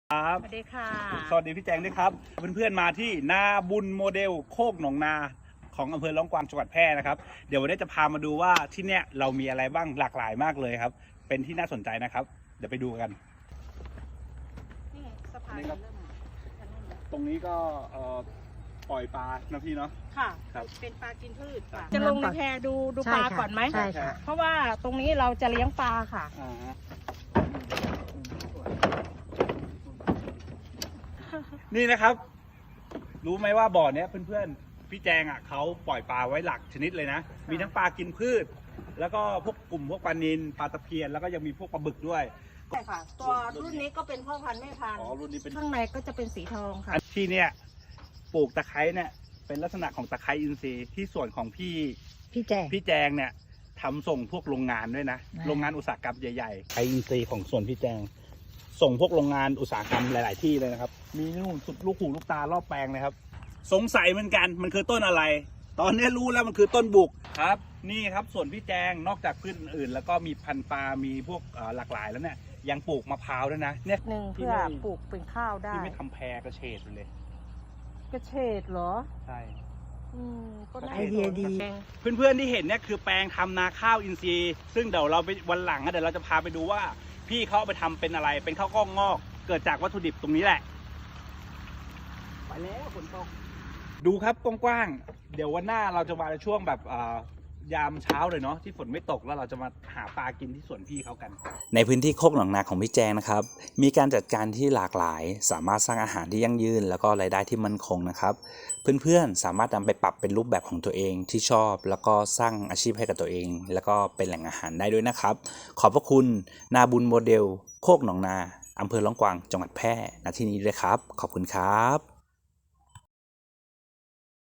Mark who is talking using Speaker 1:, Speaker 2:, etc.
Speaker 1: ครับ
Speaker 2: สวัสดีค่ะ
Speaker 1: สวัสดีพี่แจงด้วยครับเพื่อนๆมาที่นาบุญโมเดลโคกหนองนาของอำเภอร้องกวางจังหวัดแพร่นะครับเดี๋ยววันนี้จะพามาดูว่าที่เนี้ยเรามีอะไรบ้างหลากหลายมากเลยครับเป็นที่น่าสนใจนะครับเดี๋ยวไปดูกัน
Speaker 2: นี่สะพาน
Speaker 1: นี่ครับ
Speaker 2: เริ่ม
Speaker 1: ตรงนี้ก็ปล่อยปลานะพี่เนาะ
Speaker 2: ค่ะ
Speaker 1: ครับ
Speaker 2: เป็นปลากินพืชค่ะ
Speaker 3: น้ำ
Speaker 2: จะลงในแพดู
Speaker 3: ใช่
Speaker 2: ปลา
Speaker 3: ค่ะ
Speaker 2: ก่อนไหม
Speaker 3: ใช่ค่ะ
Speaker 2: เพราะว่าตรงนี้เราจะเลี้ยงปลาค่ะ
Speaker 1: อ่าฮะนี่นะครับ รู้ไหมว่าบ่อเนี้ยเพื่อนๆพี่แจงอ่ะเขาปล่อยปลาไว้หลักชนิดเลยนะ มีทั้งปลากินพืช แล้วก็พวกกลุ่มพวกปลานิลปลาตะเพียนแล้วก็ยังมีพวกปลาบึกด้วย
Speaker 2: ใช่ค่ะ ตัวรุ่นนี้ก็เป็นพ่อพันธุ์แม่พันธุ์
Speaker 1: อ๋อรุ่นนี้เป็น
Speaker 2: ข้างในก็จะเป็นสีทองค่ะ
Speaker 1: ที่เนี่ยปลูกตะไคร้เนี่ยเป็นลักษณะของตะไคร้อินทรีย์ที่ส่วนของพี่แจงเนี่ยทำส่งพวกโรงงานด้วยนะ โรงงานอุตสาหกรรมใหญ่ๆไคร้อินทรีย์ของส่วนพี่แจงส่งพวกโรงงานอุตสาหกรรมหลายๆที่เลยนะครับมีนู่นสุดลูกหูลูกตารอบแปลงเลยครับสงสัยเหมือนกันมันคือต้นอะไร ตอนนี้รู้แล้วมันคือต้นบุกครับนี่ครับส่วนพี่แจงนอกจากพืชอื่นๆแล้วก็มีพันธุ์ปลามีพวกหลากหลายแล้วเนี่ยยังปลูกมะพร้าวด้วยนะเนี่ย
Speaker 2: หนึ่งเพื่อปลูกเป็นข้าวได้
Speaker 1: ที่ไม่ทำแพรกระเฉดเลย
Speaker 2: กระเฉดเหรอ
Speaker 1: ใช่
Speaker 2: ก็น่า
Speaker 3: ไอเดียดี
Speaker 1: เพื่อนๆที่เห็นเนี่ยคือแปลงทำนาข้าวอินทรีย์ซึ่งเดี๋ยวเราไปวันหลังเดี๋ยวเราจะพาไปดูว่าพี่เขาเอาไปทำเป็นอะไรเป็นข้าวกล้องงอก เกิดจากวัตถุดิบตรงนี้แหละไปแล้วฝนตกดูครับกว้างๆเดี๋ยววันหน้าเราจะมาในช่วงแบบยามเช้าเลยเนาะที่ฝนไม่ตกแล้วเราจะมาหาปลากินที่สวนพี่เขากัน
Speaker 4: ในพื้นที่โคกหนองนาของพี่แจงนะครับมีการจัดการที่หลากหลายสามารถสร้างอาหารที่ยั่งยืนแล้วก็รายได้ที่มั่นคงนะครับเพื่อนๆสามารถนำไปปรับเป็นรูปแบบของตัวเองที่ชอบแล้วก็สร้างอาชีพให้กับตัวเองแล้วก็เป็นแหล่งอาหารได้ด้วยนะครับขอบพระคุณนาบุญโมเดลโคกหนองนาอำเภอร้องกวางจังหวัดแพร่ณที่นี้ด้วยครับขอบคุณครับ